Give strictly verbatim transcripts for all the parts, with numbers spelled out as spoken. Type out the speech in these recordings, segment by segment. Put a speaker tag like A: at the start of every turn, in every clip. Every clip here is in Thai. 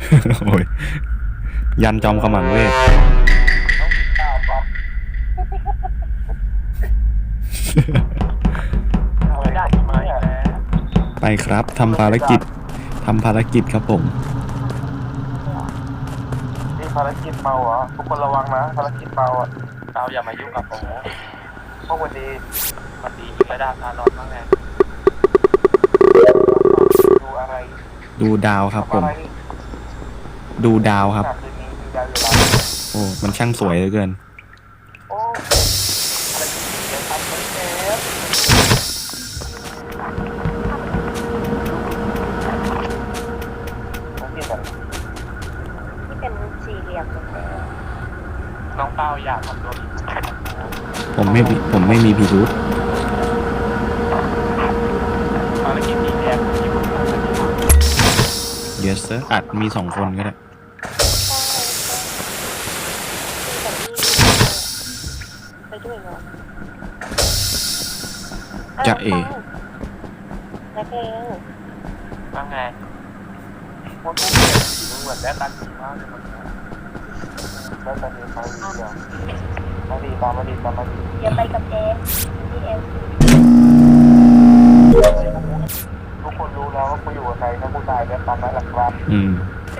A: โอ้ยยันจอมขมังเวท
B: ต้องกินข้าวป๊อปเอาไปได้ไหมแล้ว
A: ไปครับทำภารกิจทำภารกิจครับผม
B: นี่ภารกิจเมาเหรอทุกคนระวังนะภารกิจเมาอ่ะเราอย่ามายุ่งกับผมพวกวันดีวันดียิงระดับทานอนบ้างไงดูอะไร
A: ดูดาวครับผม ดูดาวครับ โอ้มันช่างสวยเหลือเกิน
B: โอ้ภารกิจเดี๋ยวทำคนเจ็บผมกินแบบ
C: ที่เป็นสี่เหลี่ยม
B: น้องเป้าอยากทำตัวผิด
A: ผมไม่ผมไม่มีพิรุธ
B: ภารกิจนี้แอบที่ผมทำเป็น
A: yes sir อาจมีสองคนก็ได้
C: ไปด้วยเหรอ
A: จะเอ
C: นักเอง
B: ว่าไงว่าพวกเด็กสีเหมือนแม่ตันสีมากเลยมันแม่ตันมีไฟดีอ่ะมาดีตามมาดีตามมาดี
C: เดี๋ยวไปกับเจมที่เอ็ม
B: ทุกคนรู้แล้วว่ากูอยู่กับใครถ้ากูตายจะตามนั้นแหละครับ
A: อืม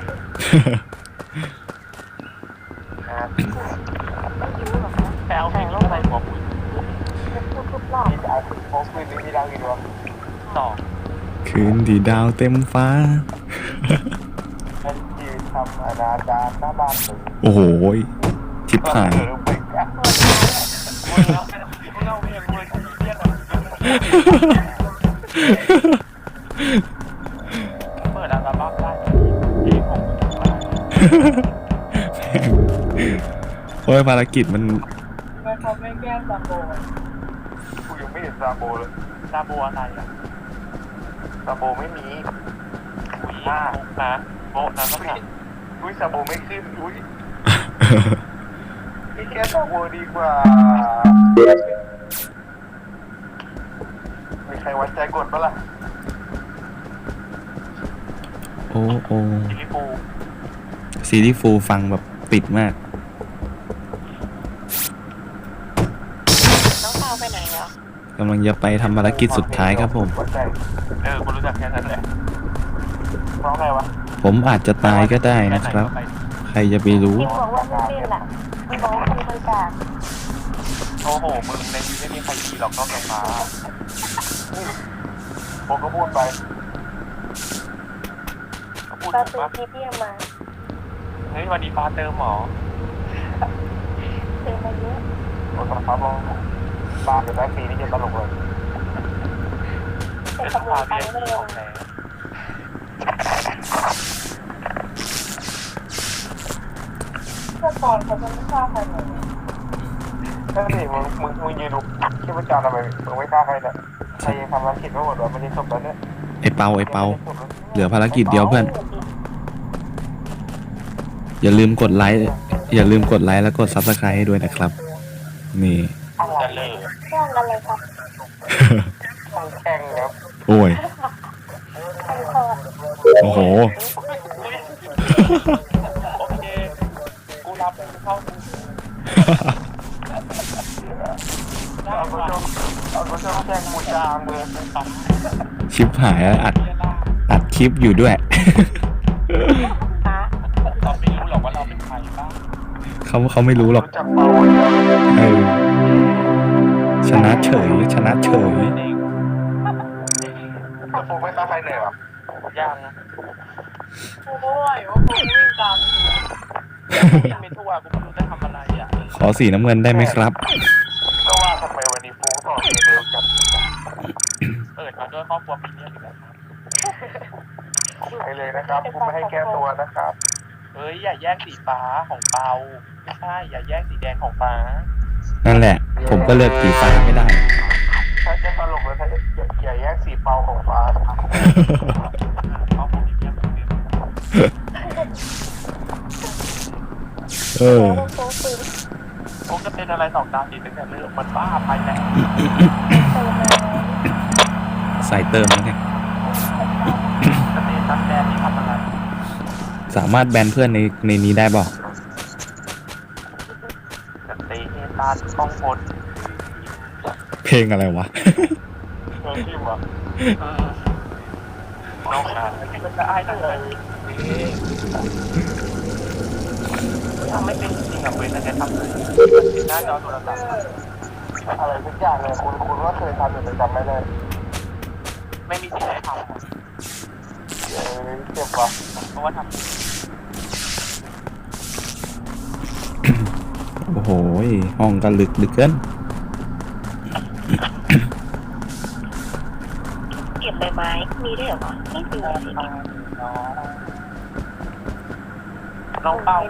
C: ไม่รู้หรอกนะ
B: แถวแข่งรถไฟหัวปุ๋ย
C: พูดทุกรอบ
B: มีจะเอาโค้งคืนนี้มีดาวกี่ดวงสอง
A: คืนที่ดาวเต็มฟ้า
B: ฉันยืนทำอนาจารหน้าบ้านผม
A: โอ้โหชิบหาย
B: ไปกันมึงเอามึงเอาเพลงมวยที่เรียกอ่ะเปิดอัลบั้มได้เพลงของมึงมา
A: โอ้ยภารกิจมัน
B: ไม่เขาไม่แก้ซาโบกูยังไม่เห็นซาโบเลยซาโบอะไรอ่ะซาโบไม่มีอุ้ยนะโบนะก็ค่ะอุ้ยซาโบไม่ขึ้นอุ้ยนี่แค่ซาโบดีกว่ามีใครไว้ใจกดปะล่ะ
A: โอ้โอ้
B: ซิลิฟู
A: ซีรีส์ฟูลฟังแบบติดมาก
C: น้องเปาไปไหนเหรอก
A: ำลังจะไปทำภารกิจสุดท้ายครับผม
B: เออกูรู้จักแค่นั้นแหละเพราะไงวะ
A: ผมอาจจะตายก็ได้นะครับ ใครจะไปรู้
C: พี่บอกว่าไม่เล่นล่ะพี่บอกว่าคนบริจาค
B: โอ้โหมึงในนี้ไม่มีใครดีหรอกนอกจากฟ้าผมก็พูดไปก็พูด
C: ตา
B: ถู
C: ตู
B: กปะ
C: พี่พี่เอามา
B: เฮ้ยวันนี้ฟ้าเติมหมอ
C: เติมมาเยอะ
B: โอ้ตอนฟ้าลงบ้านกับได้ฟรีนี่จะตลกเลย
C: แต่
B: เป็น
C: ตำรว
B: ฟ้า
C: จไป
B: เบี้ย
C: ไม่เร็
B: ข
C: ว
B: องแท้เมื่อก่อนเขาจะไม่ฆ่าใครเลยนั่นสิมึงมึงมึงยืนดูชีพจรทำไมมึงไม่ฆ่าใครเนี่ยใครยังทำภารกิจไม่หมดวะมันยังจบแล้วเนี่ย
A: ไอเปาไอเปาเหลือภารกิจเดียวเพื่อน อย่าลืมกดไลค์ อย่าลืมกดไลค์แล้วกดซับสไครต์ให้ด้วยนะครับ นี่
B: จะเลย
C: แข่งอะไรครับ
B: ต้องแข่งครับ
A: โอ้ย
C: แข่งคอร์ด
A: โอ้โห
B: โอเค กูรับเป็นเข้าเอาไปชมเอาไปชมแข่งมูจางเลยนะครับ
A: ชิปหายแล้วอัด อัดคลิปอยู่ด้วย
C: ป้า
B: เราไม่รู้หรอกว่าเราเป็นใครบ้าง
A: เขาเขาไม่รู้หรอก
B: รู้จักเปา
A: เออ ชนะเฉย ชนะเฉย
B: จะโฟกัสใครเหนื่อยหรอยังโอ้ยว่าผมวิ่งตามวิ่งไม่ทั่วกูไม่รู้จะทำอะไรอ่ะ
A: ขอสีน้ำเงินได้ไหมครับ
B: ก็ว่าทำไมวันนี้โฟกัสต่อเองเร็วจังเปิดมาด้วยครอบครัวปีนี้อีกแล้วไปเลยนะครับกูไม่ให้แก้ตัวนะครับเฮ้ยอย่าแย่งสีฟ้าของเปาไม่ใช่อย่าแย่งสีแดงของฟ้า
A: นั่นแหละ ผมก็เลือกสีฟ้าไม่ได้
B: ถ้าจะตลกเลยถ้าอย่าอย่าแย่งสีเปาของฟ้าครับเขาคงมีเพียงคนเดียว
A: เออ
C: โค้งปืน
B: คงจะเป็นอะไรสองตาสีตั้งแต่เริ่มมันบ้าไปแล้ว
C: เติมมา
A: ใส่เติมแล้วไง
B: สเตตัสแดนนี่ทำอะไร
A: สามารถแบนเพื่อนในในนี้ได้เปล่า
B: จะตีเฮตาต้องพด
A: เพลงอะไรวะ
B: เออที่วะน้องขามันจะอ้ายตั้งแต่ทำไม่เป็นจริงอ่ะเว้ยแต่แกทำเลยหน้าจอโทรศัพท์อะไรทุกอย่างเลยคุณคุณว่าเคยทำแต่จำไม่ได้ไม่มีสิ่งไหนทำเออเจ็บว่ะเพราะว่าทำ
A: โอ้โหห้องก็ลึกลึกเกิน
C: เก็บใบไม้มีด้วยเหรอวะไม่มีเลยสิ
B: น้องเป้า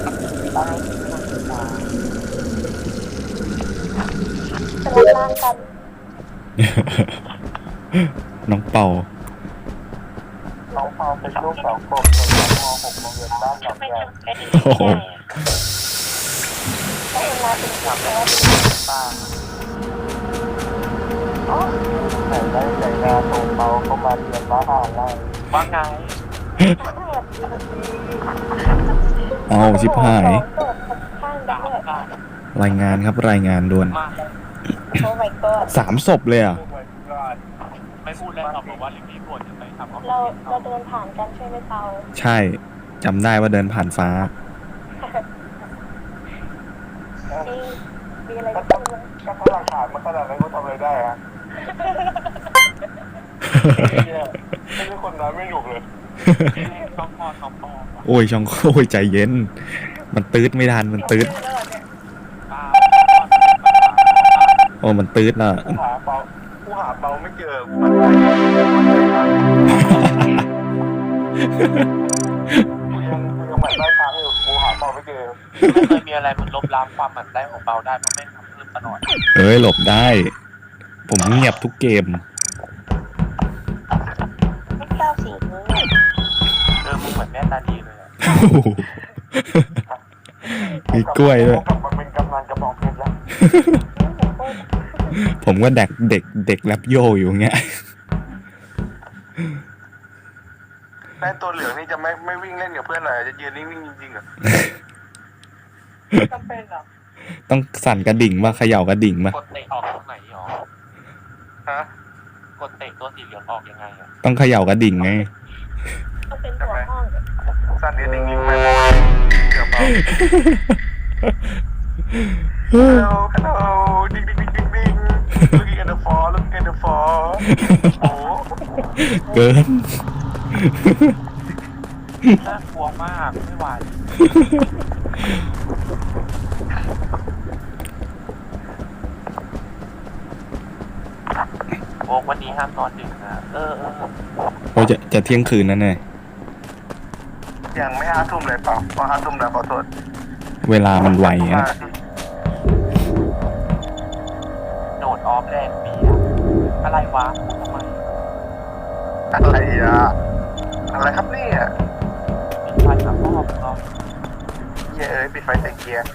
C: จะรับร่างกัน
A: น้องเป่า
B: น้องเป้าเป็นลูกสองขวบเป็นมหกโรงเรียนบ้านหนอง
C: ไม่
B: แก่
C: ทำได้ดีได้อะถ้าเวลาเป็นคนแล้ว
B: ป้า
C: อ๋อ
B: ไหนได้ใจงานส่งเป้าเข้ามาเรียนบ้านอะไรว่าไง
A: เอาชิบหาย
C: ข้างดังเลย
A: รายงานครับรายงานด่วน
B: มา
C: โอ้ my god
A: สามศพเลยอ่ะ
B: ไม่พูดแล้วครับบอกว่าลิงนี้ปวดจะไปทำ
C: เราเราเดินผ่านกันใช่ไหมเปา
A: ใช่จำได้ว่าเดินผ่านฟ้า
C: มีมีอะไร
B: ก็
C: จะ
B: ต้
C: พู
B: อง
C: ดไหม
B: ก็ถ้าหลักฐานมันขนาดนั้นก็ทำอะไรได้อะไม่ใช่คนนั้นไม่หนุกเลยช่องพ่อช่องพ่อ
A: โอ้ยช่องโอ้ยใจเย็น มันตืดไม่ทันมันตืดโอ้มันตืดอ่ะ
B: ผู้หาเปาผู้หาเปาไม่เจอกูยังกูยังหมั่นได้ทางอยู่กูหาเปาไม่เจอไม่เคยมีอะไรมันลบล้างความหมั่นได้ของเปาได้เพราะไม่ทำเพิ่มตลอด
A: เอ้ยหลบได้ ผมเงียบทุกเกม
C: ไม่ชอบสีนี้
B: เออมึงเหมือนแม่ตาดีเลยอะ
A: มีกล้วยด้วย
B: มันเป็นกำนันกระบอกเพชรแล้ว
A: ผมก็เด็กเด็กเด็กแรปโยอยู่เงี้ย
B: แม่ตัวเหลืองนี่จะไม่ไม่วิ่งเล่นกับเพื่อนหน่อยจะยืนนิ่งๆจริงๆเหรอจำเป็นเหรอ
A: ต้องสั่นกระดิ่งมาเขย่ากระดิ่งมาก
B: ดเตะออกตรงไหนหรอฮะกดเตะตัวสีเหลืองออกยังไงอ่ะ
A: ต้องเขย่ากระดิ่งไง
C: ก็เป็นหัวห้อง
B: สั่นกระดิ่งยิงไม่เกือบเอา Hello Hello ดิ้งดิ้งดิ้งดิ้งดิ้ง Looking at the fall Looking at the fall โอ้
A: เกิน
B: น่ากลัวมากไม่ไหวโอ้วันนี้ห้ามนอนดึกนะเออเออ
A: โอ้จะจะเที่ยงคืนนั่นไง
B: ยังไม่ห้าทุ่มเลยเปล่าพอห้าทุ่มแล้วขอโทษ
A: เวลามันไวอ่ะ
B: โดดออฟแรงปีอะอะไรวะทำไมอะไรอ่ะอะไรครับเนี่ยปิดไฟสามรอบเนาะเย้ยปิดไฟใส่เกียร์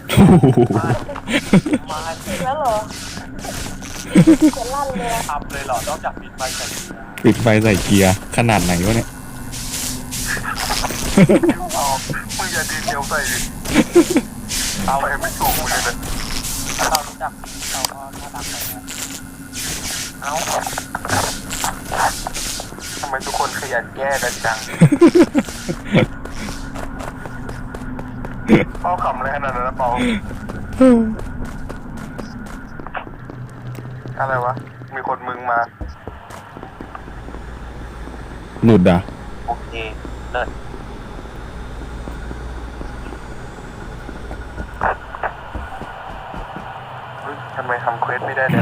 B: มา
C: จริงแล้วเหรอจะลั่นเลย
B: ทำเลยเหรอนอกจากปิดไฟใส่เกียร์
A: ปิดไฟใส่เกียร์ขนาดไหนวะเนี่ย
B: เอามึงอย่าดีเทลใส่ดิเอาไปไม่ถูกมึงเลยนะเรารู้จักเราก็น่ารักไปนะเอาทำไมทุกคนขยันแก้กันจังเป้าขำเลยขนาดนั้นนะเป้าอะไรวะ มีคนมึงมา
A: หลุดอ่ะ
B: โอเคเลิศเฮ้ยทำไมทำเควสไม่ได้เนี่ย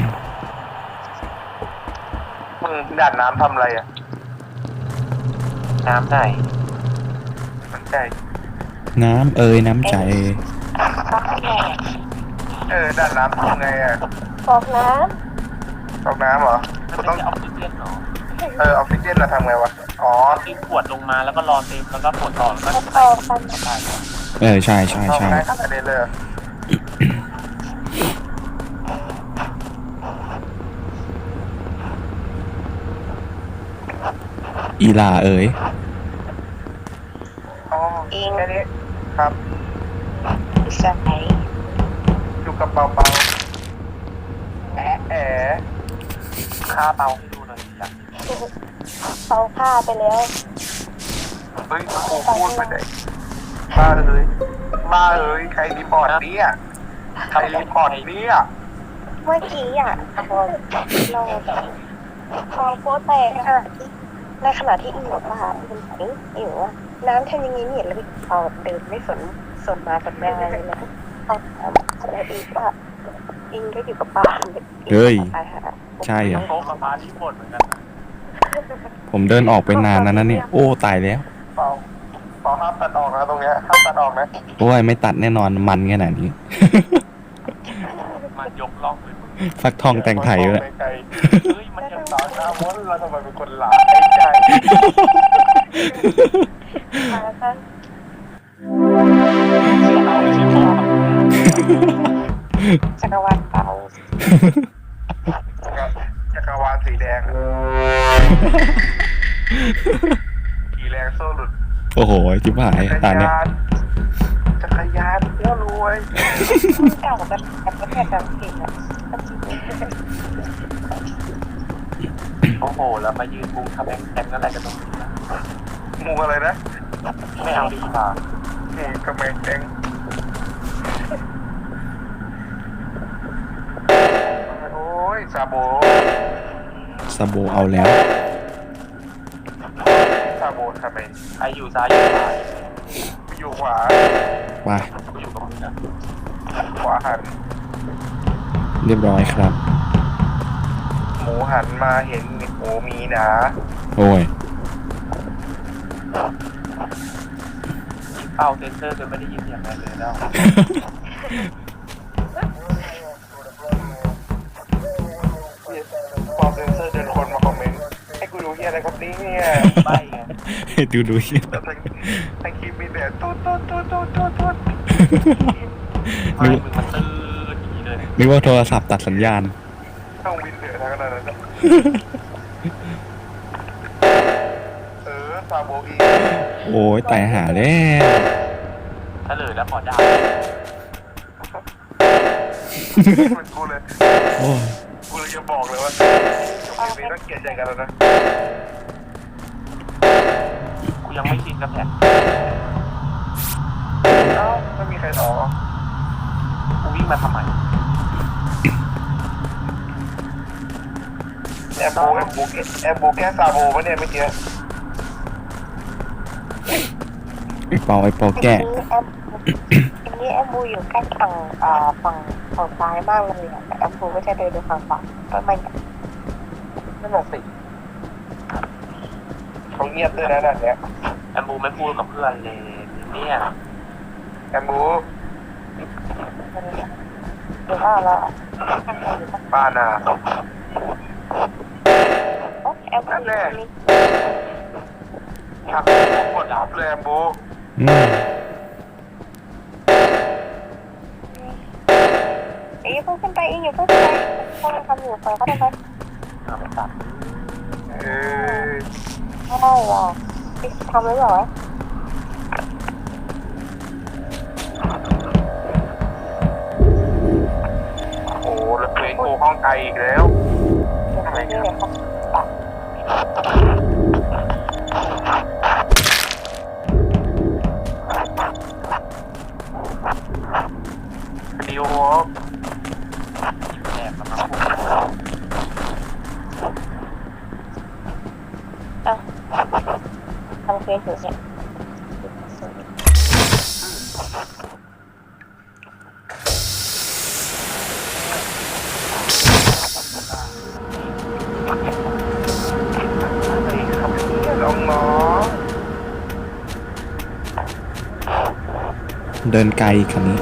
B: มึงด่านน้ำทำอะไรอ่ะ น้ำไหนน้ำใจ
A: น้ำเอ่ยน้ำใจ
C: ฟักไง
B: เออด่านน้ำทำไงอ่ะ
C: ฟอกน้
B: ตกน้ำเหรอมันต้องออกซิเจนเหรอ เออออกซิเจนเราทำไงวะ อ๋อที่ขวดลงมาแล้วก็รอเต็มแล้วก็กดต่อแล้ว
C: ำ
B: ก็
C: แล้วต่อกัน
B: ใส่
A: เออใช่ใช่
B: เข้า
A: ใช่
B: ได้ขนาดนี้เลย
A: อีลาเอ่ย
B: เอาครับ
C: ใช่
B: อยู่กับเปาเปาแอะแอะฆ่าเปาให้ดูหน่อยจ้ะ
C: เขาฆ่าไปแล้ว
B: เฮ้ยกูพูดไปไหนบ้าเลยบ้าเลยใครรีพอร์ตเนี่ยใครรีพอร์ตเนี่ย
C: เมื่อกี้อ่ะพอเราพอโป๊แตกอะในขณะที่อีหนูมาเป็นไหนอีหนูว่าน้ำทำอยังไงเนี่ยแล้วพอเดินไม่สนสนมาสนแม่เลยนะเขาถามแล้วอีกว่าอิงก็อยู่กับป้า
A: เฮ้ย
C: ตายหา
A: ใช่เหรอ
B: โต๊ะกับปลาที่หมดเหมือนกัน
A: ผมเดินออกไปนานแล้วนะเนี่ย โอ้ ตายแล้ว
B: เปาเปาห้ามตัดออกนะตรงเนี้ยห้ามตัดออกนะ
A: โอ้ย ไม่ตัดแน่นอนมันขนาดนี้
B: มันยกล่องเลย
A: ฟักทองแต่งไทยเลย
B: เฮ้ยมันยังสาวหน้ามดเราทำไมเป็นคนหลาไอ้ใจ
C: แล้วก็
B: เอาเลยใช่ไหม
C: จักรวาลเป่า
B: จักรวาลสีแดงสีแดงโซ่หลุด
A: โอ้โหจิบหายตาเนี่ย
B: จักรยานเพื่อรวย
C: เก่าแบบแบบประเทศแบบผิดอ่ะ
B: โอ้โหแล้วมายืนมุงทำแองแองอะไรกันตรงนี้นะมุงอะไรนะไม่เอาดีกว่ามุงทำแองแองโอ้ยซาโบ
A: ซาโบเอาแล้ว
B: ซาโบทำไมใครอยู่ซ้ายอยู่ขวาอยู่ขวา
A: ไป
B: กูอยู่กับมึงนะขวาหัน
A: เรียบร้อยครับ
B: หมูหันมาเห็นหมูมีหนา
A: โอ้ย
B: เป้าเซนเซอร์จะไม่ได้ยินอย่างไรเลยแล้วเป้าเซนเซอร์เดินคนมาคอมเมนต์ให้กูดูเฮียอะไรครับเนี่ยใบไง
A: ดูดู
B: แต่ทั้งคลิปมีแต่ตุ๊ดตุ๊ดตุ๊ดตุ๊ดตุ๊ดตุ๊ดไม่
A: นึก
B: มึงมันตื้ออย่างนี้เลย
A: นึกว่าโทรศัพท์ตัดสัญญาณ
B: ต้องวินเดือดทั้งนั้นนะเออซาโบอี
A: โอ้ยตายหาแล้ว
B: ถ้าเลยแล้วขอดาวเหมือนกูเลย
A: โอ้ย
B: กูเลยจะบอกเลยว่าจบเกมนี้ต้องเกลียดใจกันแล้วนะกูยังไม่ชินกับแผนเอ้าไม่มีใครต่อกูวิ่งมาทำไมแอมโบแอมโบแอมโบแก้ซาโบปะเนี่ยเมื่อกี้
A: ไอเปาไอเปาแก่
C: ทีนี้แอมบูอยู่ใกล้ฝั่งอ่าฝั่งฝั่งซ้ายมากเลยอ่ะแต่แอมบูก็จะเดินไปฝั่งขวาก็ไม่
B: นั่นแหละสิเขาเงียบด้วยนะนั่นเนี้ย
D: แอมบูไม่พูดกับเพื่อนเลยเนี่ย
B: แอมบู
C: หรือว่าเรา
B: ป้านา
C: แอมบูอยู่ตรงนี้
B: ทักกดดับเลยแอมบู
A: อืม
C: อีกเพิ่งขึ้นไปอีกอยู่เพิ่งขึ้นไปพวกเราทำอยู่ไปก็ได้ไป
D: เอาไปตัด
B: เออ
C: ไม่ได้หรอกทำไว้หรอ
B: โอ้แล้วเพลงโกห้องไกลอีกแล้ว
C: เดี๋ยวไปนี่เลยครับตัด
B: นิวฮอป
D: แอบมาครับ
C: ทำเพลงอยู่เนี่ย
B: ไอ้คำนี้น้องน้อง
A: เดินไกลคันนี้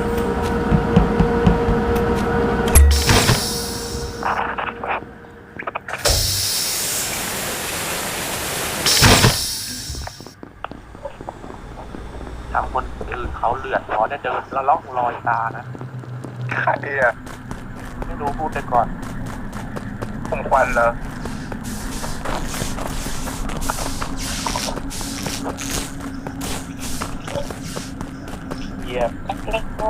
D: ถามคนอื่นเขาเลือดร้อนได้เดินแล้วล่องรอยตานะ
B: ใครอ่ะ
D: ไม่รู้พูดไปก่อน
B: ผมควันเหรอยียบ
C: เล็กโก้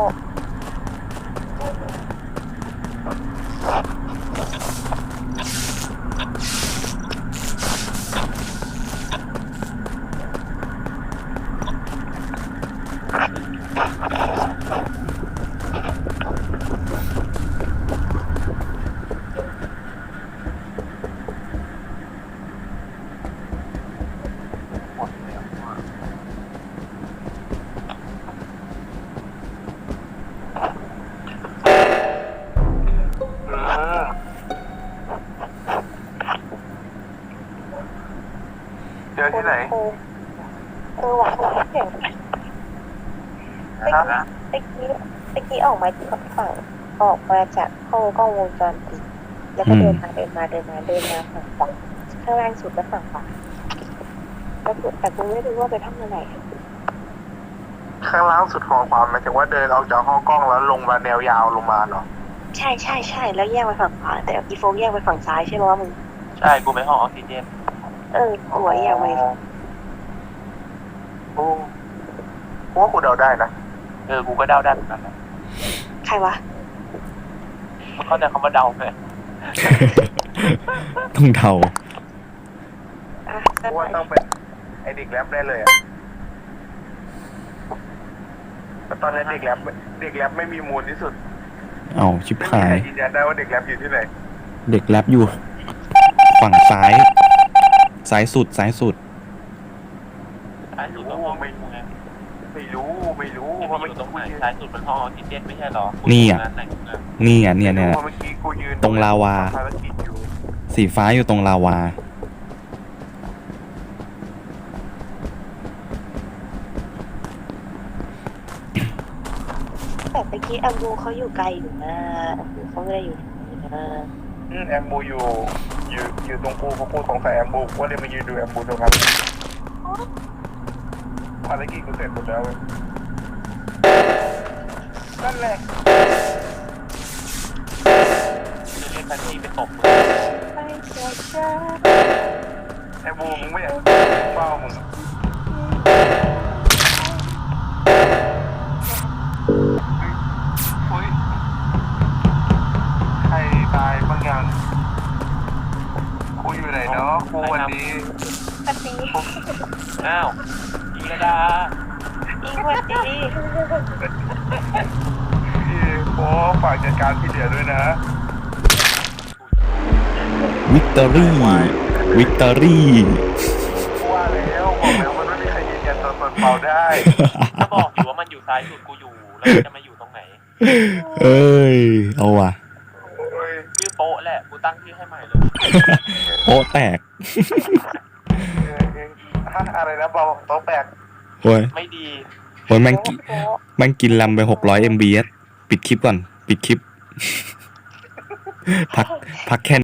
B: เจอที่ไหน
C: เออเออหวังว่าเสียง
B: นะ
C: ตะกี้ตะกี้ออกมาจากฝั่งออกมาจากห้องกล้องวงจรปิดแล้วก็เดินมาเดินมาเดินมาเดินมาฝั่งขวาข้างล่างสุดและฝั่งขวาแล้วกูแต่กูไม่รู้ว่าไปทำอะไร
B: ข้างล่างสุดของความหมายถึงว่าเดินออกจากห้องกล้องแล้วลงมาแนวยาวลงมาเหรอ
C: ใช่ใช่ใช่แล้วแยกไปฝั่งขวาแต่อีโฟกแยกไปฝั่งซ้ายใช่ไหมว่ามึง
D: ใช่กูไปห้องออกซิเจน
C: เออหัวแยกไป
B: โอ้กูว่ากูเดาได้นะ
D: เออกูก็เดาได้เหมือนกันนะ
C: ใครวะ
D: มึงเข้าใจคำว่าเดาไหม
A: ต้องเดา
C: อ่ะ
B: กู
C: ก็
B: ว่าต้องเป็นไอเด็กแรปได้เลยอะแต่ตอนนี้เด็กแรปเด็กแรปไม่มีมูลที่สุด
A: เอาชิบ
B: ไม่มี
A: หา
B: ใคร
A: ย
B: ยืนยันได้ว่าเด็กแรปอยู่ที่ไหน
A: เด็กแรปอยู่ ฝั่งซ้าย ซ้ายสุดซ้ายสุด
D: ซ้ายสุดต้องห้องไม่รู้ไง
B: ไม่รู้ไม่รู้
D: ที่
B: เพราะ
D: มัน
B: เมื่
D: อ
B: อยู่
D: ตรงไหน
B: กี้
D: ซ้ายสุดเป็นห้องออกซิเจนไม่ใช่หรอ
A: นี่อะ
D: ไหนกูเนี่ย
A: นี่อ่ะเนี่ยเนี่ย
B: เพราะเมื่อกี้กูยืน
A: ตรงลาวา
B: ภารกิจอยู่
A: สีฟ้าอยู่ตรงลาวา
C: แต่ตะกี้อัมบูเขาอยู่ไกลอยู่นะอัมบูเขาไม่ได้อยู่ที่นี่นะ
B: อืมแอมบูอยู่อยู่อยู่ตรงกูเพราะกูสงสัยแอมบูกูว่าเลยมายืนดูแอมบูตรงนั้นภารกิจกูเสร็จหมดแล้วเว้ยนั่นแหละ
D: จะเรียกแท็กซี่ไปตบมึง
C: ไม่เชื่อจ้า
B: แอมบูมึงไม่อยากเฝ้ามึงเฮ้ยใครตายบางอย่างกูอยู่ไหนเนาะกูวันนี้
C: ปฏิ
D: อ้าวยีระดา
C: อีกวันดี
B: พี่โอ้ฝากจัดการที่เหลือด้วยนะ
A: วิกตอรี่ วิกตอรี่
B: ว่าแล้วบอกแล้วมันไม่มีใครยืนยันตัวตนเปล่าได้
D: ถ้าบอกอยู่ว่ามันอยู่ซ้ายสุดกูอยู่แล้วมันจะมาอยู่ตรงไหน
A: เอ้ย เอาว่ะ
B: โอ้ย
D: ชื่อโป๊ะแหละกูตั้งชื่อให้ใหม่เลย
A: โป๊ะแตก
B: เออเออฮะอะไรนะเบาโต๊ะแตก
A: โอ้ย
D: ไม่ดี
A: โอ้ยมันกิ
C: โป๊ะ
A: มันกินลำไปหกร้อยเอ็มบีปิดคลิปก่อน ปิดคลิป พัก พักแค่